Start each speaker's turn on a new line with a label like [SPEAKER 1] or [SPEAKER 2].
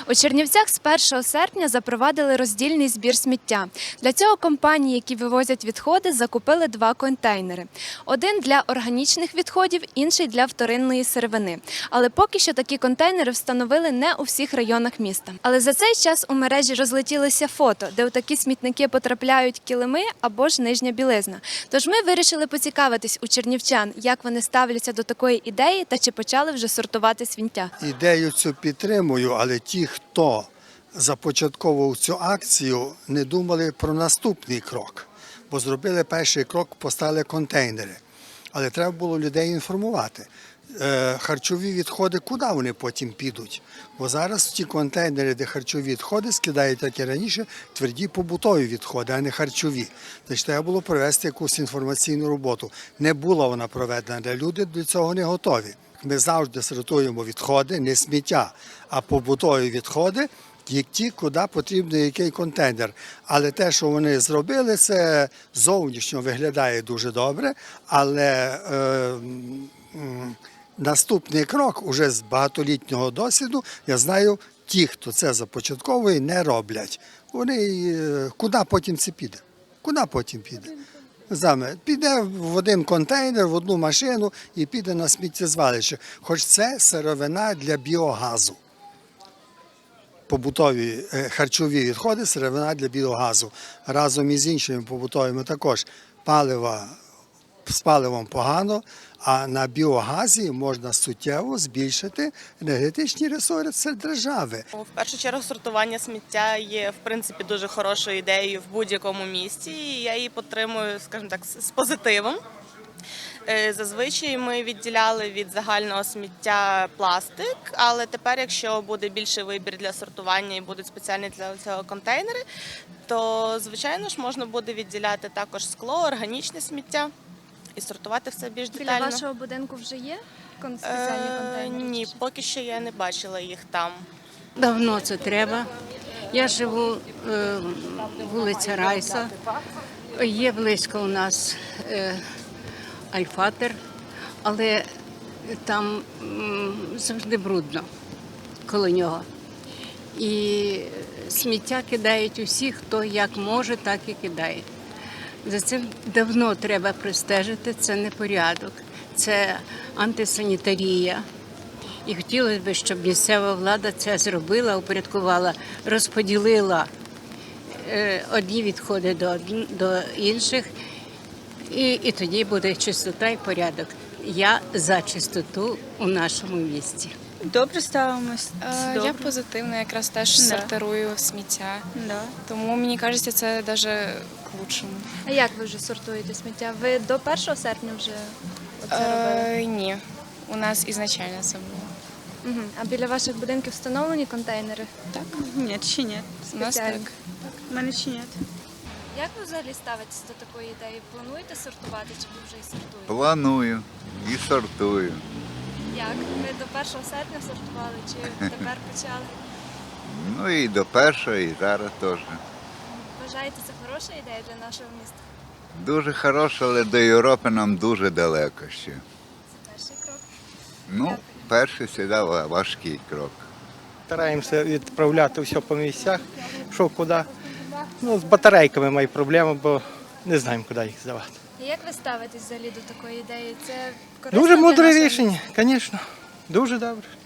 [SPEAKER 1] У Чернівцях з 1 серпня запровадили роздільний збір сміття. Для цього компанії, які вивозять відходи, закупили 2 контейнери. Один для органічних відходів, інший для вторинної сировини. Але поки що такі контейнери встановили не у всіх районах міста. Але за цей час у мережі розлетілися фото, де у такі смітники потрапляють килими або ж нижня білизна. Тож ми вирішили поцікавитись у чернівчан, як вони ставляться до такої ідеї та чи почали вже сортувати сміття.
[SPEAKER 2] Ідею цю підтримую, але ті, хто започатковував цю акцію, не думали про наступний крок. Бо зробили перший крок, поставили контейнери. Але треба було людей інформувати. Харчові відходи, куди вони потім підуть? Бо зараз ті контейнери, де харчові відходи, скидають, як і раніше, тверді побутові відходи, а не харчові. Значить, треба було провести якусь інформаційну роботу. Не була вона проведена, люди до цього не готові. Ми завжди сортуємо відходи, не сміття, а побутові відходи, ті, куди потрібен який контейнер. Але те, що вони зробили, це зовнішньо виглядає дуже добре, але наступний крок, уже з багатолітнього досвіду, я знаю, ті, хто це започатковує, не роблять. Вони, куди потім це піде? Куди потім піде? Піде в один контейнер, в одну машину і піде на сміттєзвалище. Хоч це сировина для біогазу. Побутові харчові відходи – сировина для біогазу. Разом із іншими побутовими також з паливом погано, а на біогазі можна суттєво збільшити енергетичні ресурси держави.
[SPEAKER 3] В першу чергу сортування сміття є, в принципі, дуже хорошою ідеєю в будь-якому місті, і я її підтримую, скажімо так, з позитивом. Зазвичай ми відділяли від загального сміття пластик, але тепер, якщо буде більший вибір для сортування і будуть спеціальні для цього контейнери, то, звичайно ж, можна буде відділяти також скло, органічне сміття і сортувати все більш детально.
[SPEAKER 1] Біля вашого будинку вже є спеціальні контейнери?
[SPEAKER 3] Ні, поки що я не бачила їх там.
[SPEAKER 4] Давно це треба. Я живу вулиця Райса. Є близько у нас Альфатер, але там завжди брудно коло нього. І сміття кидають усі, хто як може, так і кидає. За цим давно треба пристежити, це не порядок, це антисанітарія. І хотілося б, щоб місцева влада це зробила, упорядкувала, розподілила одні відходи до інших, і тоді буде чистота і порядок. Я за чистоту у нашому місті.
[SPEAKER 5] Добре ставимось.
[SPEAKER 6] Я позитивно, якраз теж сортирую сміття. Тому мені кажеться, це навіть к лучшому.
[SPEAKER 1] А як ви вже сортуєте сміття? Ви до 1 серпня вже це робили?
[SPEAKER 6] Ні, у нас ізначально це було.
[SPEAKER 1] А біля ваших будинків встановлені контейнери?
[SPEAKER 6] Так,
[SPEAKER 5] Ні, ще ні.
[SPEAKER 6] у нас
[SPEAKER 1] Спеціально.
[SPEAKER 6] так.
[SPEAKER 5] У мене ще ні.
[SPEAKER 1] Як ви взагалі ставитесь до такої ідеї? Плануєте сортувати чи ви вже і сортуєте?
[SPEAKER 7] Планую і сортую.
[SPEAKER 1] Як? Ви до 1 серпня сортували чи тепер почали?
[SPEAKER 7] Ну і до першого, і зараз теж.
[SPEAKER 1] Вважаєте, це хороша ідея для нашого міста?
[SPEAKER 7] Дуже хороше, але до Європи нам дуже далеко ще.
[SPEAKER 1] Це перший крок.
[SPEAKER 7] Ну, перший завжди важкий крок.
[SPEAKER 8] Стараємося відправляти все по місцях, що куди. Ну, з батарейками маю проблеми, бо не знаємо, куди їх здавати.
[SPEAKER 1] І як ви ставитесь взагалі до такої ідеї? Це корисно
[SPEAKER 8] Дуже
[SPEAKER 1] для
[SPEAKER 8] мудре
[SPEAKER 1] нашого
[SPEAKER 8] рішення, звісно. Дуже добре.